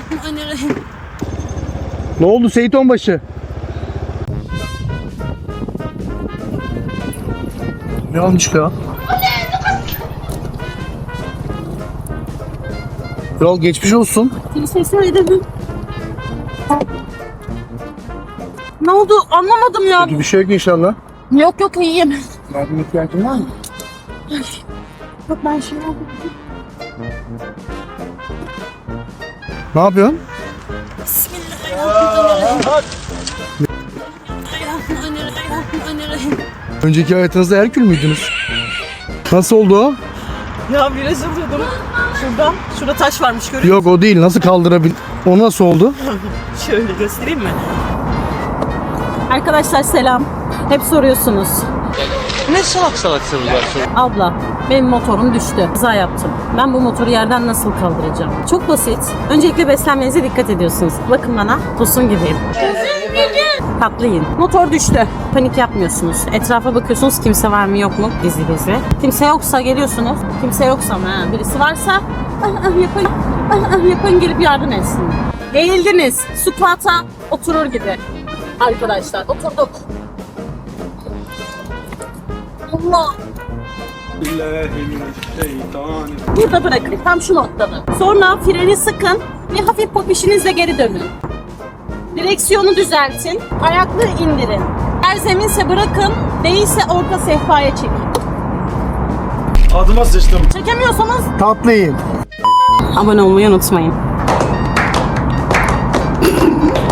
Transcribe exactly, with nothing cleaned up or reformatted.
Bismillahirrahmanirrahim. Ne oldu Seyit Onbaşı? Ne olmuş ya? Kral geçmiş olsun. Sesini edelim. Ne oldu? Anlamadım ya. Kötü bir şey yok inşallah. Yok yok iyiyim. Yardım ihtiyacın var mı? Yok ben şey oldum. Ne yapıyorsun? Bismillahirrahmanirrahim. Önceki hayatınızda Herkül müydünüz? Nasıl oldu o? Ya viraj alıyordum. Şuradan. Şurada taş varmış görüyor Yok o değil. Nasıl kaldırabil... O nasıl oldu? musun? Şöyle göstereyim mi? Arkadaşlar selam. Hep soruyorsunuz. Ne salak salak sorular soruyorsun? Abla benim motorum düştü. Kaza yaptım. Ben bu motoru yerden nasıl kaldıracağım? Çok basit. Öncelikle beslenmenize dikkat ediyorsunuz. Bakın bana. Tosun gibiyim. Tatlı yiyin. Motor düştü. Panik yapmıyorsunuz. Etrafa bakıyorsunuz kimse var mı yok mu? Gizli gizli. Kimse yoksa geliyorsunuz. Kimse yoksa mı? Ha, birisi varsa ah, ah, yapın. Ah, ah, yapın gelip yardım etsin. Eğildiniz. Squat'a oturur gibi. Arkadaşlar oturduk. Allah. Burada bırakın. Tam şu noktada. Sonra freni sıkın ve hafif popişinizle geri dönün. Direksiyonu düzeltin. Ayakları indirin. Eğer zeminse bırakın. Değilse orta sehpaya çekin. Adıma sıçtım. Çekemiyorsanız Tatlı yiyin. abone olmayı unutmayın.